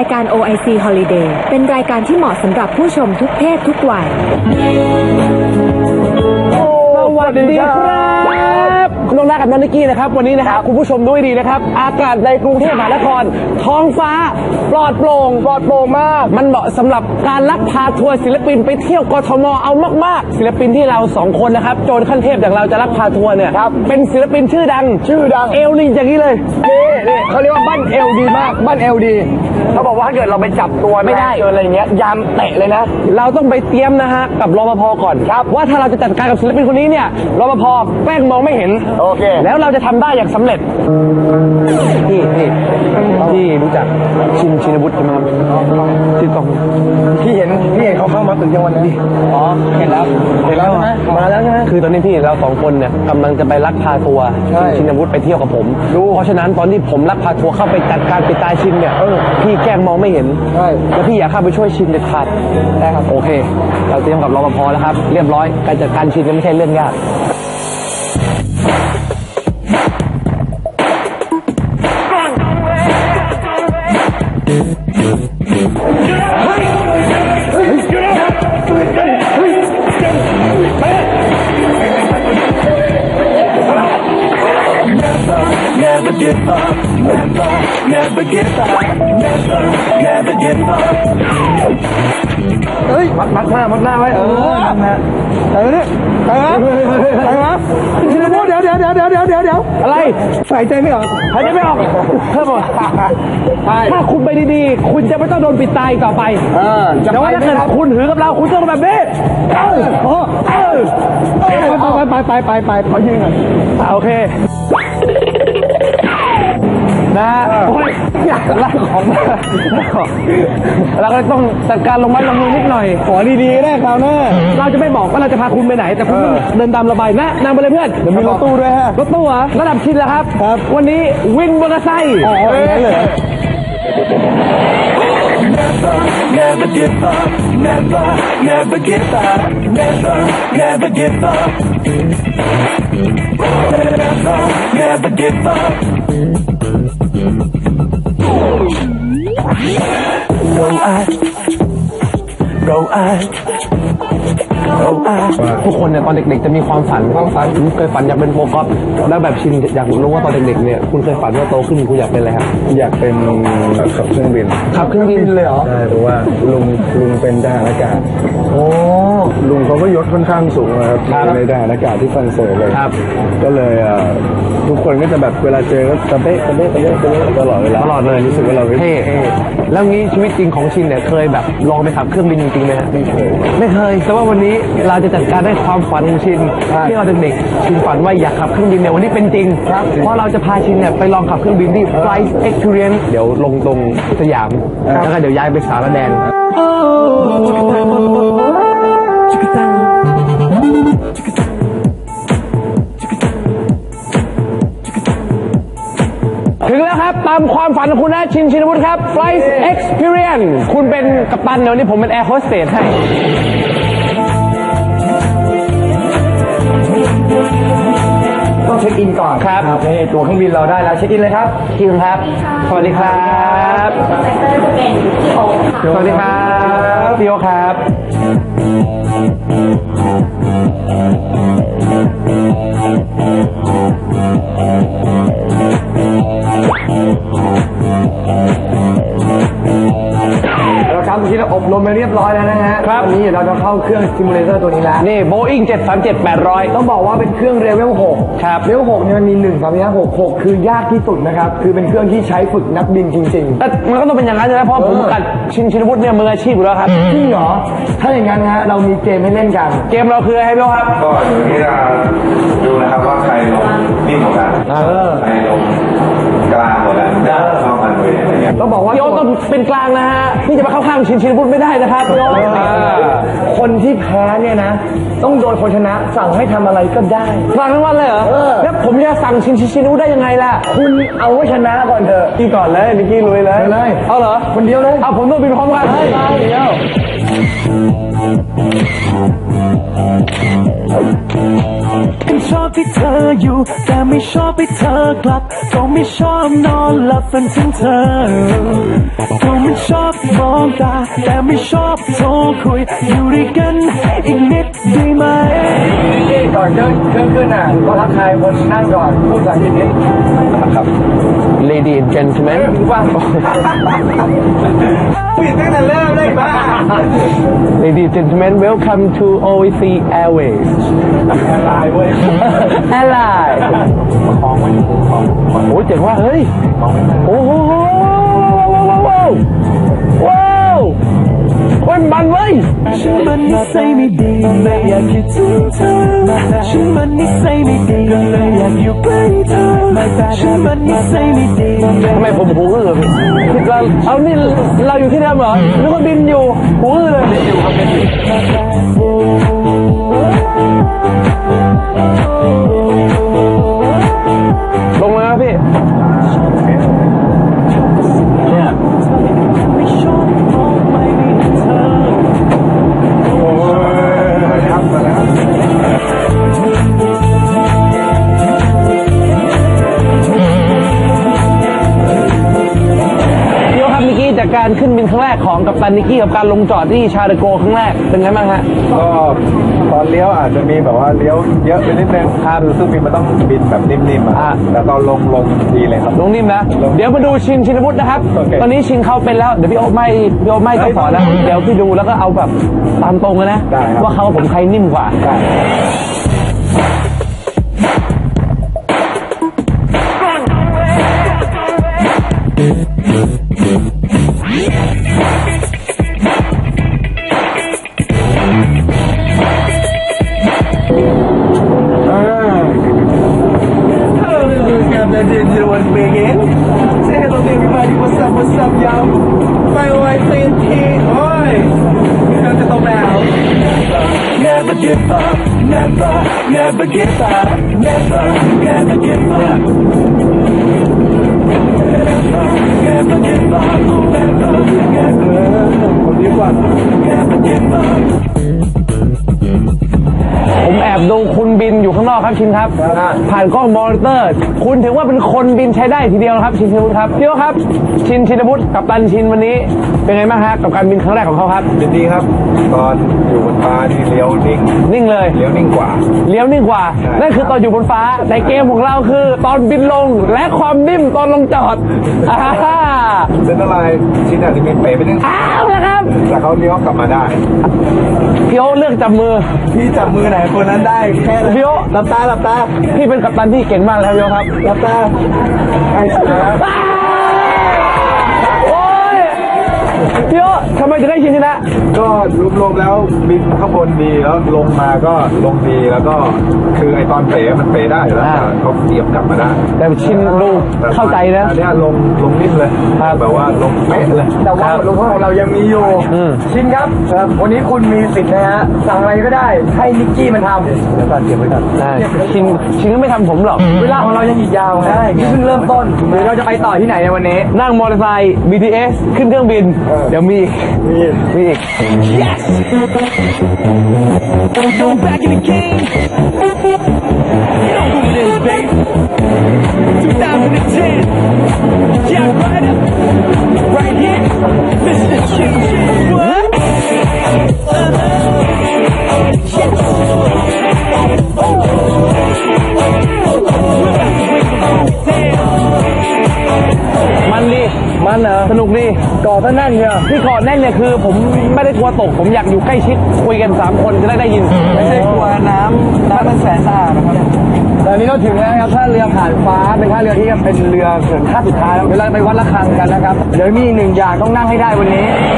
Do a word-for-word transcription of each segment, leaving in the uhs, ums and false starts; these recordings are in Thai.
ายการ โอ ไอ ซี Holiday เป็นรายการที่เหมาะสำหรับผู้ชมทุกเพศทุกวัยสวัสดีครับคุณน้องรักกับน้องนิกกี้นะครับวันนี้นะครับคุณผู้ชมด้วยดีนะครับอากาศในกรุงเทพมหานครท้องฟ้าปลอดโปร่งปลอดโปร่งมากมันเหมาะสำหรับการลักพาทัวร์ศิลปินไปเที่ยวกทมเอามากๆศิลปินที่เราสองคนนะครับโจรขั้นเทพอย่างเราจะลักพาทัวร์เนี่ยเป็นศิลปินชื่อดังชื่อดังเอลลีอย่างนี้เลยนี่นี่เขาเรียกว่าบ้านเอลดีมากบ้านเอลดีเขาบอกว่าถ้าเกิดเราไปจับตัวไม่ได้เจออะไรเงี้ยยามเตะเลยนะเราต้องไปเตรียมนะฮะกับรปภก่อนครับว่าถ้าเราจะจัดการกับศิลปินคนนี้เนี่ยรปภแกล้งมองไม่เห็นโอเคแล้วเราจะทำได้อย่างสำเร็จพี่พี่พี่รู้จักชินชินวุฒิใช่ไหมครับชื่อกองพี่เห็นพี่เห็นเขาเข้ามาตึกยังวันนี้อ๋อเห็นแล้วเห็นแล้วใช่ไหมมาแล้วใช่ไหมคือตอนนี้พี่เราสองคนเนี่ยกำลังจะไปลักพาทัวร์ชินวุฒิไปเที่ยวกับผมเพราะฉะนั้นตอนที่ผมลักพาทัวร์เข้าไปจัดการปิดตายชินเนี่ยพี่แกล้งมองไม่เห็นแล้วพี่อยากเข้าไปช่วยชินเด็ดขาดได้ครับโอเคเราเตรียมกับรปภแล้วครับเรียบร้อยการจัดการชินไม่ใช่เรื่องยาก Never give up, never, never give up, never, never give up. เฮ้ยมัดมัดหน้ามัดหน้าไว้เออนะเออเนี่ยเออเออชินวุฒิเดี๋ยวเดี๋ยวเดี๋ยวเดี๋ยวเดี๋ยวเดี๋ยวเดี๋ยวอะไรหายใจไม่ออกหายใจไม่ออกเพิ่มหมดถ้าคุณไปดีๆคุณจะไม่ต้องโดนปิดตายต่อไปแต่ว่าถ้าเกิดคุณหือกับเราคุณต้องแบบนี้เออเออไปไปไปไปไปขอยืนหน่อยโอเคนะโอ้ยอยากไล่ของมาเราก็ต้องจัดการลงไม้ลงมือนิดหน่อยขอดีๆได้คราวหน้าเราจะไม่บอกว่าเราจะพาคุณไปไหนแต่คุณเดินตามระบายนะนำไปเลยเพื่อนเดี๋ยวมีรถตู้ด้วยฮะรถตู้เหรอระดับชินแล้วครับครับวันนี้วินมอเตอร์ไซค์อ๋อเลย Never give up, never, never give up, never, never give up, never, never give up. Go I, go I, go I. ทุกคนเนี่ยตอนเด็กๆจะมีความฝันความฝันเคยฝันอยากเป็นโปรกอล์ฟแล้วแบบชินอยากรู้ว่าตอนเด็กๆเนี่ยคุณเคยฝันว่าโตขึ้นคุณอยากเป็นอะไรครับอยากเป็นขับเครื่องบินขับเครื่องบินเลยเหรอใช่เพราะว่าลุงลุงเป็นทหารอากาศโอ้ลุงเขาก็ยศค่อนข้างสูงนะครับในทหารอากาศที่ฝรั่งเศสเลยครับก็เลยทุกคนก็จะแบบเวลาเจอก็ตะเบ๊ะตะเบ๊ะตะเบ๊ะตะเบ๊ะตลอดเวลาตลอดเลยรู้สึกว่าเราเท่แล้วงี้ชีวิตจริงของชินเนี่ยเคยแบบลองไปขับเครื่องบินจริงๆไหมฮะไม่เคยไม่เคยแต่ว่าวันนี้เราจะจัดการได้ความฝันของชินที่เราเด็กๆชินฝันว่าอยากขับเครื่องบินเนี่ยวันนี้เป็นจริงเพราะเราจะพาชินเนี่ยไปลองขับเครื่องบินที่ Flight Experience เดี๋ยวลงตรงสยามแล้วก็เดี๋ยวย้ายไปสารแดนถึงแล้วครับตามความฝันของคุณนะชินชินวุฒิครับ Flight Experience คุณเป็นกัปตันเดี๋ยวนี้ผมเป็นแอร์โฮสเตสให้ต้องเช็คอินก่อนครับนี่ตัวเครื่องบินเราได้แล้วเช็คอินเลยครับคิวครับสวัสดีครับสวัสดีครับพี่โอครับเราครับที่เราอบรมไปเรียบร้อยแล้วนะฮะครับวันนี้เราจะเข้าเครื่องซิมูเลเตอร์ตัวนี้แล้วนี่ Boeing เจ็ดสามเจ็ด แปดร้อยต้องบอกว่าเป็นเครื่องเรเวลหกครับเรเวลหกเนี่ยมันมีหนึ่งสามห้าหกหกคือยากที่สุดนะครับคือเป็นเครื่องที่ใช้ฝึกนักบินจริงๆแต่มันก็ต้องเป็นอย่างนั้นใช่ไหมเพราะผมกับชินชินวุฒิเนี่ยมืออาชีพอยู่แล้วครับจริงเหรอถ้าอย่างนั้นฮะเรามีเกมให้เล่นกันเกมเราคืออะไรพี่โอครับก็อยู่ที่เราดูนะครับว่าใครลงนิ่งกว่ากันใครลงกลางกว่ากันเข้ากันเลยอะไรเงี้ยต้องบอกว่าพี่โอต้องเป็นกลางนะฮะพี่จะมาเข้าข้างชินชินวุฒิไม่ได้นะครับพี่โอคนที่แพ้เนี่ยนะต้องโดนคนชนะสั่งให้ทำอะไรก็ได้สั่งทั้งวันเลยเหรอแล้วผมจะสั่งชินชินวุฒิได้ยังไงล่ะคุณเอาไว้ชนะก่อนเถอะพี่ก่อนเลยนิกกี้ลุยเลยเลยเอาเหรอคนเดียวเลยเอาผมต้องบินพร้อมกันไปเดียวก็ชอบที่เธออยู่แต่ไม่ชอบให้เธอกลับก็ไม่ชอบนอนหลับฝันถึงเธอก็ไม่ชอบมองตาแต่ไม่ชอบโทรคุยอยู่ด้วยกันอีกนิดได้ไหมก่อนเดินเครื่องขึ้นอ่ะก็ทักทายคนนั่งก่อนพูดภาษาอังกฤษนิดครับ Lady and gentlemen ว่าปิดตั้งแต่เริ่มเลยบ้า Lady and gentlemen welcome to โอ เอ ซี Airways ตายเว้ยอะไรโอ้ยเจ๋งว่าเฮ้ยโอ้โหว้าวว้าวโอ้ยมันเว้ยฉันมันนิสัยไม่ดีไม่อยากคิดถึงเธอฉันมันนิสัยไม่ดีก็เลยอยากอยู่ใกล้เธอฉันมันนิสัยไม่ดีทำไมผมหูอื้อเราเอานี่เราอยู่ที่เดิมเหรอนึกว่าบินอยู่หูอื้อเลยอยู่ครับเป็นลงเลยนะพี่ไม่ชอบมองไม่ได้เธอเดี๋ยวครับนิกกี้จากการขึ้นบินครั้งแรกของกัปตันนิกกี้กับการลงจอดที่ชาร์ลโกครั้งแรกเป็นไงบ้างฮะก็ตอนเลี้ยวอาจจะมีแบบว่าเลี้ยวเยอะไปนิดนึงครับซึ่งบินมันต้องบินแบบนิ่มๆอ่าอ่ะแต่ตอนลงลงดีเลยครับลงนิ่มนะ เดี๋ยวมาดูชินชินวุฒินะครับโอเคตอนนี้ชินเขาเป็นแล้ว เดี๋ยวพี่โอ๊ไม่พี่โอ๊ไม่ต้องสอนแล้ว เดี๋ยวพี่ดูแล้วก็เอาแบบตามตรงเลยนะได้ครับว่าเขากับผมใครนิ่มกว่าได้ Say hello to everybody. What's up? What's up, y'all? My wife saying tea. Oi. Welcome to the house. Never give up, never, never give up, never, never give up. Never, never give up, never, never, never give up. ผมแอบดูคุณบินอยู่ข้างนอกครับชินครับ ผ่านกล้องมอนิเตอร์ คุณถือว่าเป็นคนบินใช้ได้ทีเดียวนะครับชินชินวุฒิครับพี่โอ๊ครับ ชินชินวุฒิกับตันชินวันนี้ เป็นไงบ้างฮะกับการบินครั้งแรกของเขาครับยินดีครับ ตอนอยู่บนฟ้านี่เลี้ยวนิ่งนิ่งเลยเลี้ยวนิ่งกว่าเลี้ยวนิ่งกว่า นั่นคือตอนอยู่บนฟ้า แต่เกมของเราคือตอนบินลงและความนิ่มตอนลงจอดอ่าเส้นอะไรชิ้นอาจจะมีเป๋ไปนิดอ้าวนะครับแต่เขาเลี้ยวกลับมาได้พี่โอ๊เลือกจับมือพี่จับมือไหนคนนั้นได้แค่นั้นพี่โอ๊หลับตาหลับตาพี่เป็นกัปตันที่เก่งมากแล้วพี่โอ๊ครับหลับตาไอ้สัตว์โอ้ยพี่โอ๊ทำไมถึงได้ชินชนะก็รวมๆแล้วบินข้างบนดีแล้วลงมาก็ลงดีแล้วก็คือไอตอนเป๋มันเป๋ได้อยู่แล้วอ่าเขาเสียบกลับมาได้แต่ชินดูเข้าใจนะอันเนี้ยลงลงนิ่มเลยครับแบบว่าลงเป๊ะเลยแต่ว่าบทลงโทษของเรายังมีอยู่อืมชินครับ วันนี้คุณมีสิทธิ์นะฮะ สั่งอะไรก็ได้ ให้นิกกี้มันทำเดี๋ยวก่อนเก็บไว้ก่อนได้ชินชินก็ไม่ทำผมหรอกเวลาของเรายังอีกยาวใช่นี่เพิ่งเริ่มต้นหรือเราจะไปต่อที่ไหนในวันนี้นั่งมอเตอร์ไซค์ บี ที เอส ขึ้นเครื่องบิน เดี๋ยวมีอีกมีอีก Go back in the game. You know who it is, baby. twenty ten. Jack Ryder. Right here. Mister Chin Chin. What? Uh-huh. มันดีมันเหรอสนุกดีก่อซะแน่นเชียวที่เกาะแน่นเนี่ยคือผมไม่ได้กลัวตก ผมอยากอยู่ใกล้ชิดคุยกันสามคนจะได้ได้ยินไม่ใช่กลัวน้ำน้ำมันแสนสะอาดนะครับตอนนี้เราถึงแล้วนะครับท่าเรือผ่านฟ้าเป็นท่าเรือที่เป็นเรือเขื่อนท่าสุดท้ายแล้วเดี๋ยวเราไปวัดระฆังกันนะครับเดี๋ยวมีหนึ่งอย่างต้องนั่งให้ได้วันนี้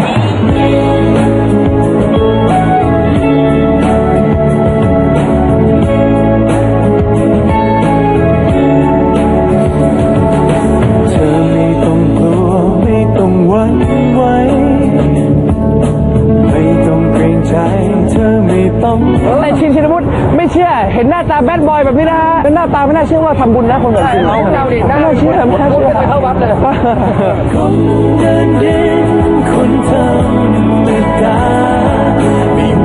เธอไม่ต้องกลัวไม่ต้องหวั่นไหวไม่ต้องเกรงใจเธอไม่ต้องแต่ชินชินวุฒิไม่เชื่อ เห็นหน้าตาแบดบอยแบบนี้นะฮะเป็นหน้าตาไม่น่าเชื่อว่าทำบุญนะคนแบบชินใช่เราดิไม่น่าเชื่อไม่น่าเชื่อไปเข้าวัดเลยคนเดินดินคนธรรมดาไม่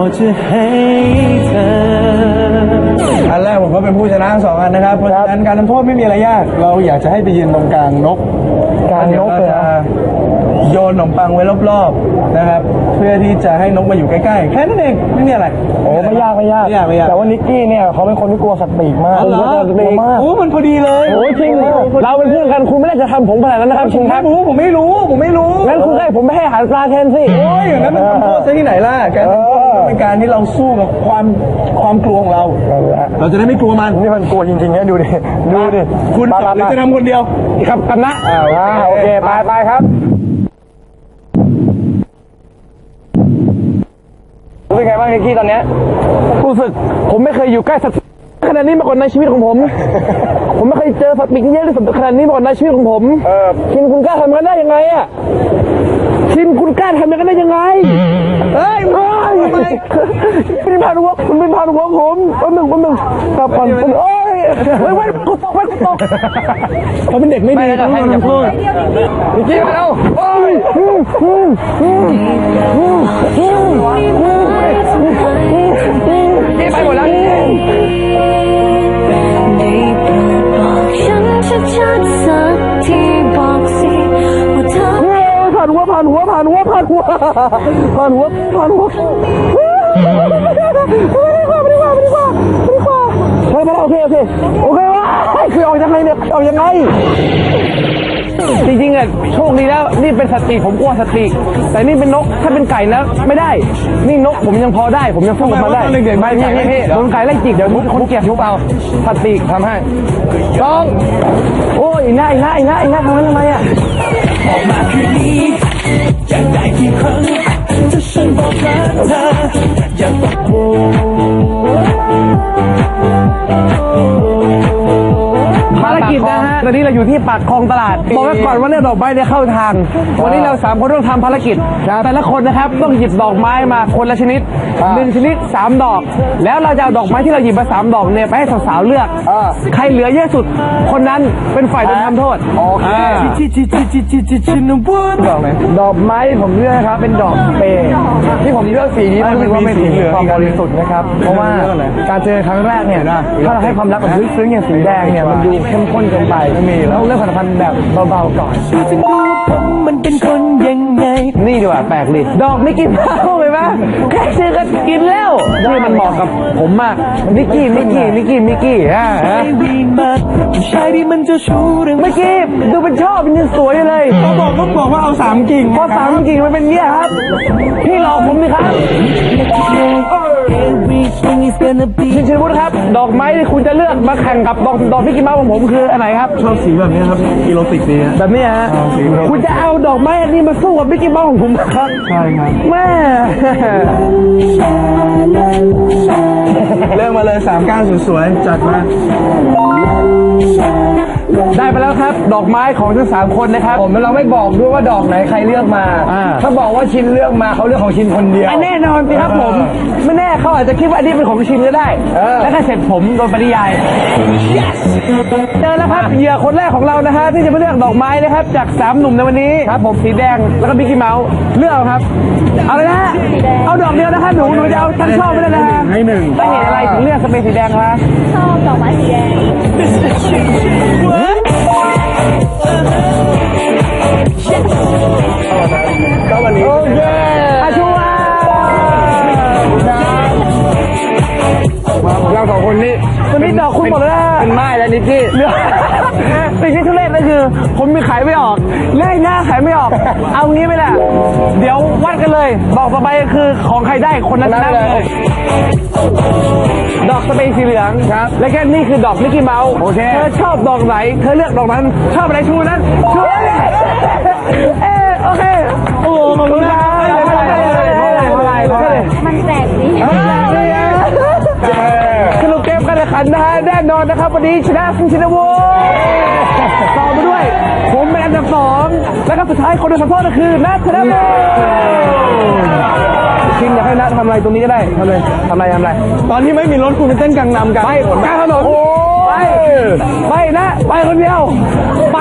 จะให้เธออันแรกผมก็เป็นผู้ชนะทั้งสองอันนะครับเพราะฉะนั้นการทำโทษไม่มีอะไรยากเราอยากจะให้ไปยืนตรงกลางนกกลางนกเลยโยนขนมปังไว้รอบๆนะครับเพื่อที่จะให้นกมาอยู่ใกล้ๆแค่นั้นเองไม่มีอะไรโอ้ไม่ยากไม่ยากไม่ยากไม่ยากแต่ว่านิกกี้เนี่ยเขาเป็นคนที่กลัวสัตว์ปีกมากอ๋อเหรอกลัวมากโอ้มันพอดีเลยโอ้ยจริงเลยเราเป็นเพื่อนกันคุณไม่ได้จะทำผมขนาดนั้นนะครับคุณครับผมผมไม่รู้ผมไม่รู้งั้นคุณให้ผมไปให้อาหารปลาแทนสิโอ้ยอย่างนั้นมันทำโทษซะที่ไหนล่ะการทำโทษมันเป็นการที่เราสู้กับความความกลัวของเรา เราจะได้ไม่กลัวมันนี่มันกลัวจริงๆนะดูดิดูดิคุณหรือจะทำคนเดียวครับกันนะอ่าโอเคไปไปครับรู้เป็นไงบ้างนิกกี้ตอนเนี้ยรู้สึกผมไม่เคยอยู่ใกล้สัตว์ขนาดนี้มาก่อนในชีวิตของผม ผมไม่เคยเจอสัตว์ปีกเยอะที่สุดขนาดนี้มาก่อนในชีวิตของผมคินคุณกล้าทำกันได้ยังไงอ่ะคินคุณกล้าทำกันได้ยังไงเฮ้ยเฮ้ยเป็นพานุวัฒน์คุณเป็นพานุวัฒน์ผมแป๊บหนึ่งแป๊บหนึ่งครับก่อนโอ้ยเฮ้ยเว้ยกูตกเว้ยกูตกเขาเป็นเด็กไม่ดีต้องโดนทำโทษนิกกี้มาเร็วโอ้ยไปหมดแล้วฉันชัดๆสักทีบอกสิว่าเธอผ่านหัวผ่านหัวผ่านหัวผ่านหัวผ่านหัวผ่านหัวไม่ดีกว่าไม่ดีกว่าไม่ดีกว่าไม่ดีกว่าโอเคโอเคโอเคว้าคือออกยังไงเนี่ยออกยังไงจริงๆอ่ะโชคดีแล้วนี่เป็นสติผมกลัวสติแต่นี่เป็นนกถ้าเป็นไก่แล้วไม่ได้นี่นกผมยังพอได้ผมยังสู้กับมันได้ไม่พี่พี่พี่โดนไก่ไล่จิกเดี๋ยวคนเกลียดทุบเอาสติทำให้ต้องโอ้ยอีน่าอีน่าอีน่าอีน่าทำงั้นทำไมอ่ะออกมาคืนนี้อยากได้กี่ครั้งถ้าฉันบอกรักเธออย่าตกโผภารกิจนะฮะตอนนี้เราอยู่ที่ปากคลองตลาดบอกไว้ก่อนว่าเนี่ยดอกไม้เนี่ยเข้าทาง วันนี้เราสามคนต้องทำภารกิจแต่ละคนนะครับต้องหยิบดอกไม้มาคนละชนิดหนึ่งชนิดสามดอก แล้วเราจะเอาดอกไม้ที่เราหยิบมาสามดอกเนี่ยไปให้สาวๆเลือกใครเหลือเยอะสุดคนนั้นเป็นฝ่ายโดนทำโทษโอเคจิจิจิจิจิจิจินวุ้นดอกไหนดอกไม้ที่ผมเลือกนะครับเป็นดอกเปย์ที่ผมเลือกสีนี้เพราะรู้สึกว่าเป็นสีความบริสุทธิ์นะครับเพราะว่าการเจอครั้งแรกเนี่ยถ้าเราให้ความรักแบบลึกซึ้งอย่างสีแดงเนี่ยมันดูเข้มข้นเกินไปไม่มีแล้วเลือกผลิตภัณฑ์แบบเบาๆก่อนดูจะดูผมมันเป็นคนยังไงนี่ดีกว่าแปลกดิดอกไม่กินข้าวเลยไหมแค่ชื่อก็กินแล้วนี่มันเหมาะกับผมมากนิกกี้นิกกี้นิกกี้นิกกี้ฮะไอ้วีมากผู้ชายที่มันเจ้าชู้เรื่องเมื่อกี้ดูเป็นชอบเป็นยังสวยอยู่เลยก็บอกก็บอกว่าเอาสามกิ่งพอสามกิ่งมันเป็นเงี้ยครับพี่หลอกผมดิครับ Everything is gonna be ชินชินวุฒิครับ ดอกไม้ที่คุณจะเลือกมาแข่งกับดอกดอกพี่กิมเมาของผมคืออันไหนครับชอบสีแบบนี้ครับอีโรติกดีฮะแบบนี้ฮะคุณจะเอาดอกไม้อันนี้มาสู้กับพี่กิมเมาของผมครับใช่ครับแม่เริ่มมาเลยสามก้านสวยๆจัดมาได้ไปแล้วครับดอกไม้ของทั้งสามคนนะครับผมเราไม่บอกด้วยว่าดอกไหนใครเลือกมาอ่าถ้าบอกว่าชินเลือกมาเขาเลือกของชินคนเดียวอันแน่นอนสิครับผม ไม่แน่เขาอาจจะคิดว่าอันนี้เป็นของชินก็ได้เออแล้วก็เสร็จผมโดนปริยายเจอแล้วครับเหยื่อคนแรกของเรานะฮะที่จะมาเลือกดอกไม้นะครับ จากสามหนุ่มในวันนี้ครับผมสีแดงแล้วก็มิกกี้เมาส์เลือกเอาครับ เอาเลยนะฮะเอาดอกเดียวนะครับหนูหนูจะเอาทั้งช่อไม่ได้นะฮะให้หนึ่งได้เห็นอะไรถึงเลือกสเปรย์สีแดงคะชอบดอกไม้สีแดงก็วันนี้โอเคอาชัวเราสองคนนี้วันนี้ดอกคุณหมดแล้วเป็นไม้แล้วนิกกี้เหลือสิ่งที่ทุเรศนั่นคือ ผมมีขายไม่ออกเลขหน้าขายไม่ออก เอางี้ไหมล่ะ เดี๋ยววัดกันเลยบอกต่อไปคือของใครได้คนนั้นชนะเลย ดอกสเปรย์สีเหลืองครับ และแค่นี่คือดอกมิกกี้เมาส์โอเคเธอชอบดอกไหนเธอเลือกดอกนั้น ชอบอะไรชูนั้นชูเลยเออโอเคโอ้ขอบคุณครับมันแปลกดีสรุปเกมการแข่งขันนะฮะแน่นอนนะครับวันนี้ชนะคุณชินวุฒิต่อมาด้วย ผมเป็นอันดับสองแล้วก็สุดท้ายคนโดนทำโทษก็คือนัทธนบุญชินอยากให้นัททำอะไรตรงนี้ก็ได้ทำเลยทำอะไรทำอะไรตอนที่ไม่มีรถคุณไปเต้นกังนำกันไปกลางถนนไปไปนะไปคนเดียวไป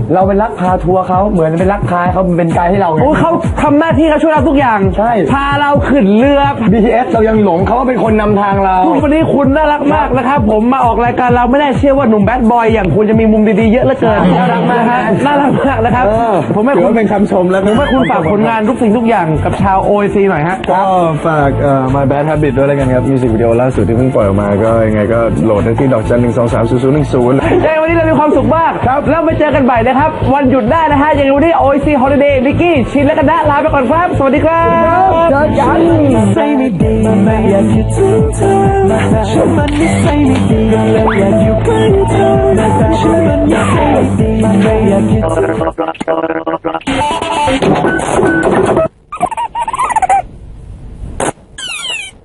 เราเป็นลักพาทัวร์เขาเหมือนเป็นลักพาเขาเป็นไกด์ให้เราไงโอ้เขาทำหน้าที่เขาช่วยเราทุกอย่างใช่พาเราขึ้นเรือบี ที เอส เรายังหลงเขาว่าเป็นคนนำทางเราวันนี้คุณน่ารักมากนะครับผมมาออกรายการเราไม่ได้เชื่อว่าหนุ่มแบดบอยอย่างคุณจะมีมุมดีๆเยอะเหลือเกินน่ารักมากฮะน่ารักมากนะครับเออผมให้ถือคุณว่าเป็นคำชมแล้วผมให้คุณฝากผลงานทุกสิ่งทุกอย่างกับชาว โอ ไอ ซี หน่อยฮะก็ฝากเอ่อ My Bad Habit ด้วยแล้วกันครับมิวสิกวิดีโอล่าสุดที่เพิ่งปล่อยออกมาก็ยังไงก็โหลดได้ที่ดอกจันหนึ่งสองสามศูนย์ศูนย์หนึ่งศูนย์ยังไงวันนี้เรามีความสุขมากครับแล้วไปเจอกันใหม่นะครับวันหยุดได้นะฮะยังไงวันนี้ โอ ไอ ซี Holiday นิกกี้ชินและกันนะลาไปก่อนครับสวัสดีครับเจอกันใส่ไม่ดีไม่อยากคิดถึงเธอฉันมันนิสัยไม่ดีก็เลยอยากอยู่ใกล้เธอฉันมันนิสัยไม่ดีไม่อยากคิดถึง